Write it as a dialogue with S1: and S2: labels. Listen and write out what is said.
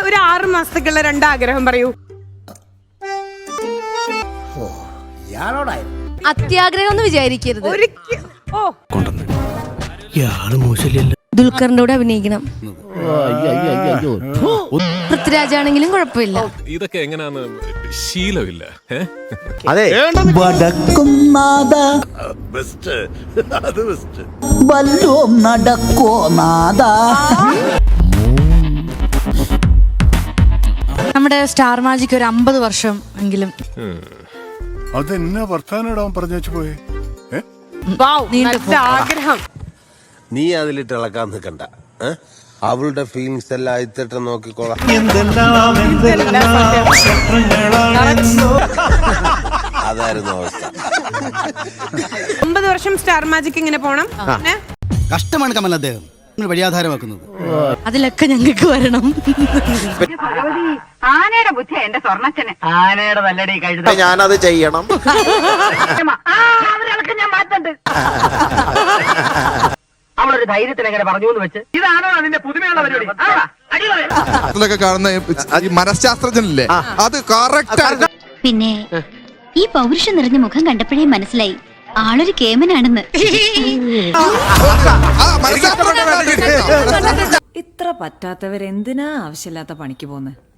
S1: ഒരു 6 മാസത്തേക്കുള്ള 2 ആഗ്രഹം പറയൂ.
S2: അത്യാഗ്രഹം എന്ന് വിചാരിക്കരുത്. ദുൽഖറിന്റെ കൂടെ അഭിനയിക്കണം. പൃഥ്വിരാജാണെങ്കിലും കുഴപ്പമില്ല.
S3: ഇതൊക്കെ എങ്ങനെയാന്ന് ശീലമില്ല.
S4: അതെ
S5: നടക്കോ നാദ.
S2: നമ്മുടെ സ്റ്റാർ മാജിക് ഒരു 50 വർഷം എങ്കിലും.
S6: അതെന്നാ വർത്താനം പറഞ്ഞു വെച്ചു പോയേ.
S1: ആഗ്രഹം.
S4: നീ അതിലിട്ട് ഇളക്കാൻ നിൽക്കണ്ട. അവളുടെ ഫീലിങ്സ് എല്ലാം അയത്തിട്ട് നോക്കിക്കോളാം. അതായിരുന്നു അവസ്ഥ.
S1: 50 വർഷം സ്റ്റാർ മാജിക് ഇങ്ങനെ പോണം.
S5: കഷ്ടമാണ് കമൽ അദ്ദേഹം വഴിയാധാരമാക്കുന്നത്.
S2: അതിലൊക്കെ ഞങ്ങൾക്ക് വരണം.
S7: ആനയുടെ ബുദ്ധി എന്റെ സ്വർണ്ണച്ചന്. ആനയുടെ നല്ലടി കഴുത.
S4: ഞാനത് ചെയ്യണം.
S7: ഞാൻ മാറ്റണ്ട്. അവളൊരു ധൈര്യത്തിന് എങ്ങനെ പറഞ്ഞു എന്ന് വെച്ച് ഇതാണോ അതിന്റെ പുതുമയുള്ള പരിപാടി?
S8: കാണുന്ന ഈ മനഃശാസ്ത്രജ്ഞനല്ലേ, അത് കറക്റ്റ്.
S9: പിന്നെ ഈ പൗരുഷം നിറഞ്ഞ മുഖം കണ്ടപ്പോഴേ മനസ്സിലായി ആളൊരു കേമനാണെന്ന്.
S10: ഇത്ര പറ്റാത്തവരെന്തിനാ ആവശ്യമില്ലാത്ത പണിക്ക് പോന്നെ?